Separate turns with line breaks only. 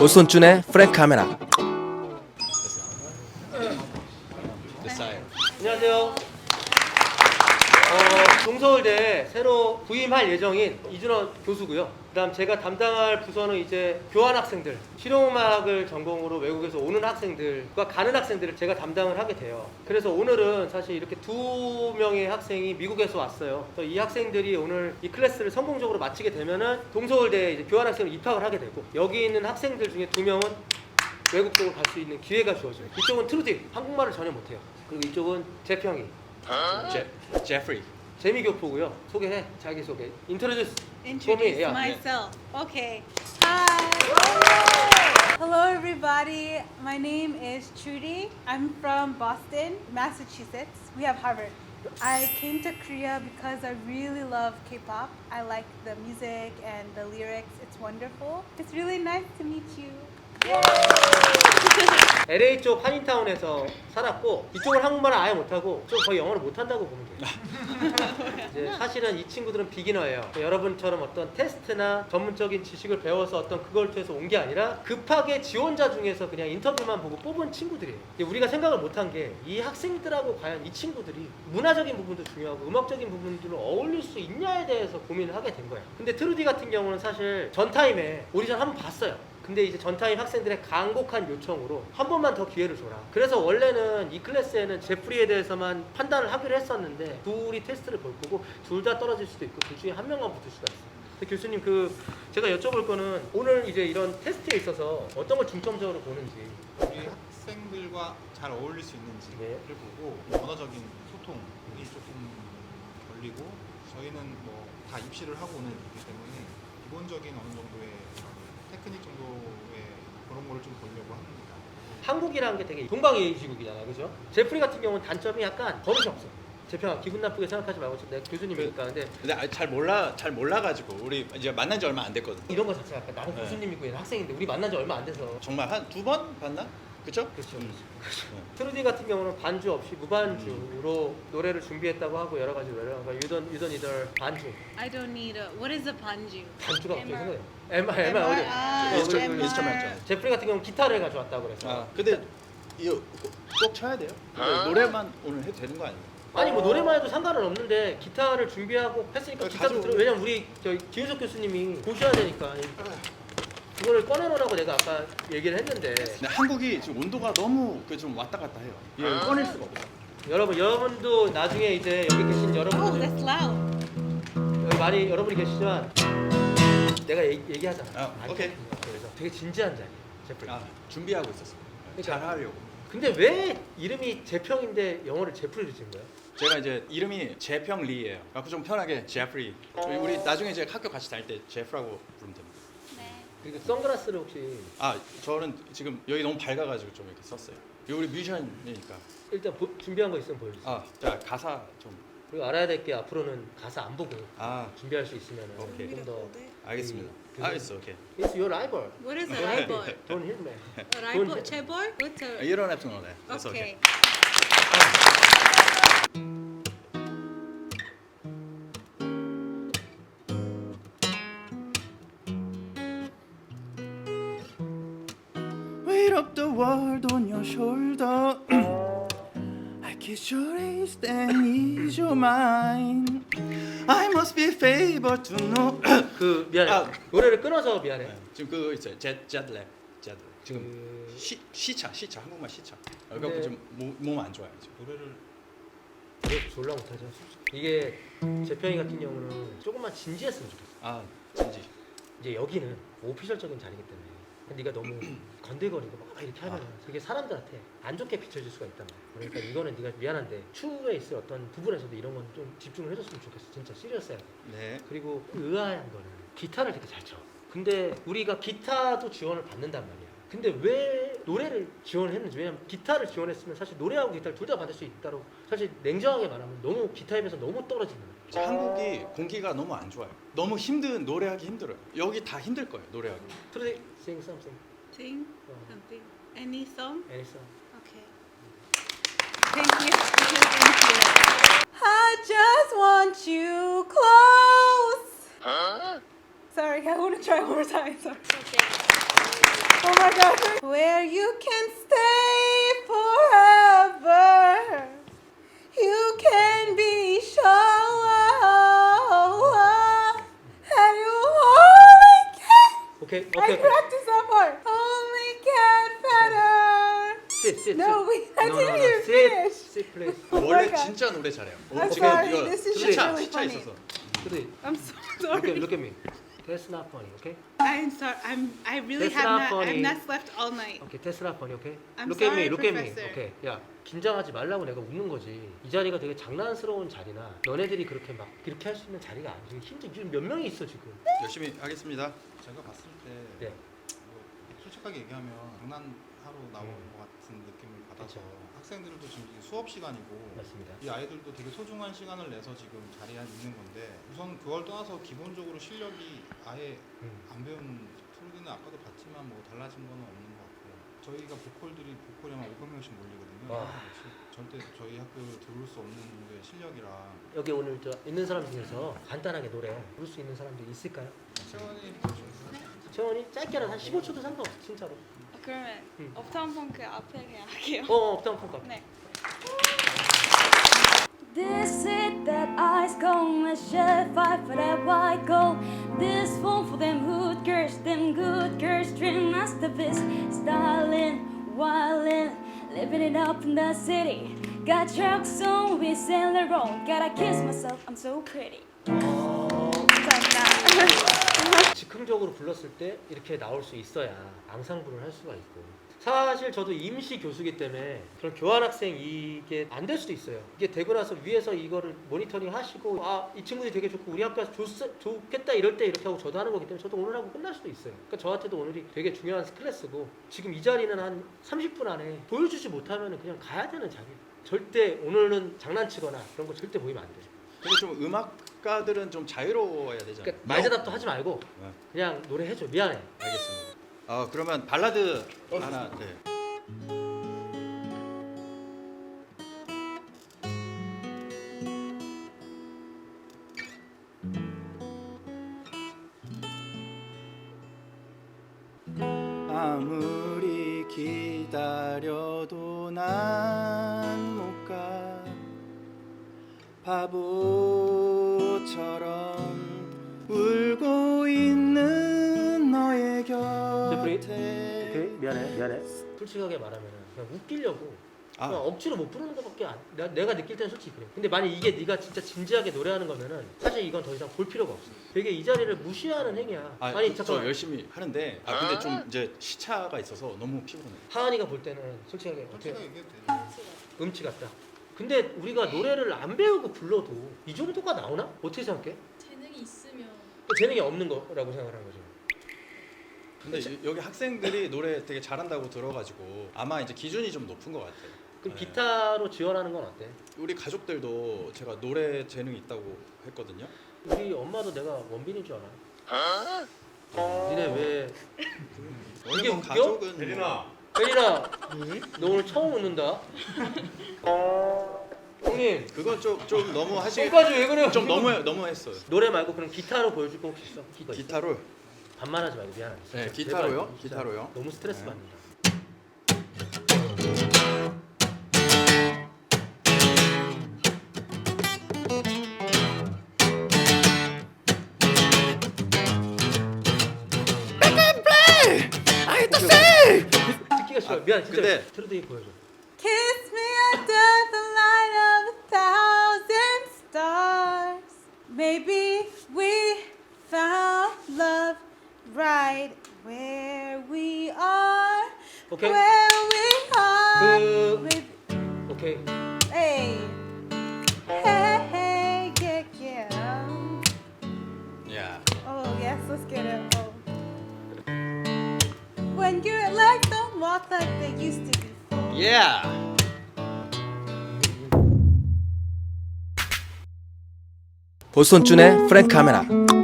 오손준의 프랭크 카메라.
안녕하세요. 동서울대 새로 부임할 예정인 이준원 교수고요. 그다음 제가 담당할 부서는 이제 교환 학생들, 실용음악을 전공으로 외국에서 오는 학생들과 가는 학생들을 제가 담당을 하게 돼요. 그래서 오늘은 사실 이렇게 2명의 학생이 미국에서 왔어요. 그래서 이 학생들이 오늘 이 클래스를 성공적으로 마치게 되면은 동서울대에 이제 교환 학생으로 입학을 하게 되고, 여기 있는 학생들 중에 2명은 외국 쪽으로 갈 수 있는 기회가 주어져요. 이쪽은 트루디, 한국말을 전혀 못해요. 그리고 이쪽은 제평이,
제프리.
재미교포고요. 소개해, 자기소개. Introduce
Introduce
yeah.
myself. Okay. Hi. Hello, everybody. My name is Trudy. I'm from Boston, Massachusetts. We have Harvard. I came to Korea because I really love K-pop. I like the music and the lyrics. It's wonderful. It's really nice to meet you.
LA 쪽 한인타운에서 살았고, 이쪽은 한국말을 아예 못하고 좀 거의 영어를 못한다고 보면 돼요. 이제 사실은 이 친구들은 비기너예요. 여러분처럼 어떤 테스트나 전문적인 지식을 배워서 어떤 그걸 통해서 온 게 아니라 급하게 지원자 중에서 그냥 인터뷰만 보고 뽑은 친구들이에요. 우리가 생각을 못한 게 이 학생들하고 과연 이 친구들이 문화적인 부분도 중요하고 음악적인 부분들을 어울릴 수 있냐에 대해서 고민을 하게 된 거예요. 근데 트루디 같은 경우는 사실 전타임에 오디션 한번 봤어요. 근데 이제 전타임 학생들의 간곡한 요청으로 한 번만 더 기회를 줘라. 그래서 원래는 이 클래스에는 제프리에 대해서만 판단을 하기로 했었는데, 둘이 테스트를 볼 거고 둘 다 떨어질 수도 있고 둘 중에 한 명만 붙을 수가 있어요. 근데 교수님, 제가 여쭤볼 거는 오늘 이제 이런 테스트에 있어서 어떤 걸 중점적으로 보는지.
우리 학생들과 잘 어울릴 수 있는지를
네.
보고 언어적인 소통이 조금 걸리고, 저희는 뭐 다 입시를 하고 오는 거기 때문에 기본적인 어느 정도의 테크닉 정도의 그런 거를 좀 보려고 합니다.
한국이라는 게 되게 동방예의지국이잖아요, 그죠? 제프리 같은 경우는 단점이 약간 버릇이 없어. 제평아, 기분 나쁘게 생각하지 말고, 내가 교수님이니까. 근데
근데 잘 몰라가지고 우리 이제 만난 지 얼마 안 됐거든.
이런 거 자체가 약간 나는
네.
교수님이고 얘는 학생인데 우리 만난 지 얼마 안 돼서.
정말 한 2번 봤나? 그쵸?
그렇죠. 트루디 같은 경우는 반주 없이 무반주로 노래를 준비했다고 하고 여러 가지 노래를 하고, 유던이들 반주.
I don't need a. What is a banju?
반주가 갑자기
MR.
생각나요. MR 어디?
MR.
인스트루멘트.
제프리 같은 경우는 기타를 가져왔다고 그래서.
아 근데 이거 꼭 쳐야 돼요? 노래만 오늘 해도 되는 거 아니에요?
아니 뭐 노래만 해도 상관은 없는데 기타를 준비하고 했으니까 기타도 들어. 왜냐면 우리 김윤석 교수님이 보셔야 되니까 그거를 꺼내놓으라고 내가 아까 얘기를 했는데.
근데 한국이 지금 온도가 너무 좀 왔다 갔다 해요. 이거 꺼낼 수가 없어.
여러분도 나중에 이제 여기 계신
Oh,
여러분들,
that's loud.
여기 많이 여러분이 계시지만 내가 얘기하잖아.
아, 오케이.
그래서 되게 진지한 자리 제프리.
아 준비하고 있었어. 잘 하려고.
근데 왜 이름이 제평인데 영어를 제프리로 지은 거야?
제가 이제 이름이 제평 리예요. 그래서 좀 편하게 제프리. 우리 나중에 이제 학교 같이 다닐 때 제프라고 부르면 됩니다.
그리고 선글라스를 혹시
아 저는 지금 여기 너무 밝아가지고 좀 이렇게 썼어요. 이거 우리 뮤지션이니까.
일단 준비한 거 있으면 보여주세요.
아, 자 가사 좀.
그리고 알아야 될 게 앞으로는 가사 안 보고
아,
준비할 수 있으면
오케이.
좀 더.
알겠습니다. 알겠어, 오케이.
It's your rival.
What is a rival?
Don't hit me.
A rival? Chebor? What's a?
You don't have to know that. That's
Okay.
okay. Weight of the world on your shoulder. I kiss your face and ease your mind. I must be favored to know.
미안해.
아.
노래를 끊어서 미안해.
지금 그거 있어요. 제드렉. 지금 시차 한국말 시차. 그래갖고 지금 몸 안 좋아요 지금.
노래를
노래 졸라 못하죠. 이게 제평이 같은 경우는 조금만 진지했으면 좋겠어.
아 진지.
이제 여기는 오피셜적인 자리이기 때문에 네가 너무 건들거리고 막 이렇게 하면 되게 사람들한테 안 좋게 비춰질 수가 있단 말이야. 그러니까 이거는 네가 미안한데 추후에 있을 어떤 부분에서도 이런 건 좀 집중을 해줬으면 좋겠어. 진짜 시리어스해.
네.
그리고 의아한 거는 기타를 되게 잘 쳐. 근데 우리가 기타도 지원을 받는단 말이야. 근데 왜 노래를 지원을 했는지. 왜냐면 기타를 지원했으면 사실 노래하고 기타를 둘 다 받을 수 있다고. 사실 냉정하게 말하면 너무 기타에 비해서 너무 떨어지는 거야.
한국이 공기가 너무 안 좋아요. 너무 노래하기 힘들어요. 여기 다 힘들 거예요 노래하기.
트루디 sing something.
Sing something. Any song?
Any song.
Okay. Thank you. Thank you. I just want you close. Sorry, I want to try one more time. Sorry. Okay. Oh my God. Where you can stay forever. You can be sure. And you only can.
오케이
I
오케이.
practice that part. Only get better.
Sit.
No, I
No,
didn't
no,
even
sit.
finish.
Sit, please.
Oh my
원래
God.
진짜 노래 잘해요.
I'm
지금
sorry,
이거
this is
시차
really
시차
funny.
있어서.
Three.
I'm so
Look
sorry.
at me. That's not funny, okay?
I'm sorry. I really
That's not funny.
I've not slept all night.
Okay, that's not funny, okay?
I'm
Look at me,
sorry,
look at me.
Professor.
Okay, 야, 긴장하지 말라고 내가 웃는 거지. 이 자리가 되게 장난스러운 자리나 너네들이 그렇게 막 이렇게 할 수 있는 자리가 아니지. 지금 몇 명이 있어 지금.
열심히 하겠습니다.
제가 봤을 때
네.
뭐 솔직하게 얘기하면 장난하러 나온 것 같은 느낌을 받아서
그쵸.
학생들도 지금 이게 수업 시간이고
맞습니다.
이 아이들도 되게 소중한 시간을 내서 지금 자리에 있는 건데 우선 그걸 떠나서 기본적으로 실력이 아예 안 배운 프로디는 아까도 봤지만 뭐 달라진 거는 없는 것 같고 저희가 보컬들이 보컬이 한 500명씩 몰리거든요.
와.
절대 저희 학교 들어올 수 없는 정도의 실력이라
여기 오늘 저 있는 사람 중에서 간단하게 노래 부를 수 있는 사람들 있을까요?
채원이
채원이 짧게라도 한 15초도 상관없어 진짜로.
그러면
응.
업타운 펑크 앞에 그냥 할게요.
업다운 펑크.
네.
This it that ice cold, let's shed fight for that white gold. This one for them hood girls, them good girls, dream masterpiece. Styling, wildin', living it up in the city. Got trucks on, we sail the road. Gotta kiss myself, I'm so pretty.
즉흥적으로 불렀을 때 이렇게 나올 수 있어야 앙상블을 할 수가 있고 사실 저도 임시 교수기 때문에 그런 교환학생 이게 안 될 수도 있어요. 이게 되고 나서 위에서 이거를 모니터링 하시고 아 이 친구들이 되게 좋고 우리 학교에서 좋겠다 이럴 때 이렇게 하고 저도 하는 거기 때문에 저도 오늘 하고 끝날 수도 있어요. 그러니까 저한테도 오늘이 되게 중요한 클래스고 지금 이 자리는 한 30분 안에 보여주지 못하면 그냥 가야 되는 자리예요. 절대 오늘은 장난치거나 그런 거 절대 보이면 안 돼요.
근데 좀 음악가들은 좀 자유로워야 되잖아요.
그러니까 말대답도 하지 말고
네.
그냥 노래해줘. 미안해.
알겠습니다. 그러면 발라드 하나. 네.
아무리 기다려도 난 못 가 바보처럼 울고 있는 너의 곁에
오케이 미안해. 솔직하게 말하면 그냥 웃기려고
아.
그냥 억지로 못 부르는 것밖에 내가 느낄 때는 솔직히 그래. 근데 만약 이게 네가 진짜 진지하게 노래하는 거면은 사실 이건 더 이상 볼 필요가 없어. 되게 이 자리를 무시하는 행위야. 아니
저
잠깐만.
열심히 하는데 근데 좀 이제 시차가 있어서 너무 피곤해.
하은이가 볼 때는 솔직하게 어떻게
솔직하게 얘기해도 되죠.
음치 같다. 근데 우리가 노래를 안 배우고 불러도 이 정도가 나오나? 어떻게 생각해?
재능이 있으면
재능이 없는 거라고 생각하는 거죠.
근데 여기 학생들이 노래 되게 잘한다고 들어가지고 아마 이제 기준이 좀 높은 것 같아요.
그럼
네.
기타로 지원하는 건 어때?
우리 가족들도 제가 노래 재능이 있다고 했거든요.
우리 엄마도 내가 원빈인 줄 알아. 니네 왜?
원래
이게
뭐
웃겨?
가족은
혜린아, 너 오늘 처음 웃는다. 형님,
그건 좀 너무
손까지 왜 그래요?
좀 너무했어요.
노래 말고 그럼 기타로 보여줄 거 혹시 있어?
기타로.
반말하지 말고 미안하다. 진짜
네,
제발,
기타로요?
진짜
기타로요?
너무 스트레스
네.
받는다. 듣기가 싫어. 미안, 진짜.
근데-
트로드이 보여줘.
Kiss me under the light of 1,000 stars. Maybe we found love right where we are.
오케이.
Where we are.
그- 오케이.
Hey. Hey, hey, yeah.
야.
Oh, yes, let's get it. Oh. When your legs don't walk like they used to before.
예.
보손준의 프랭크 카메라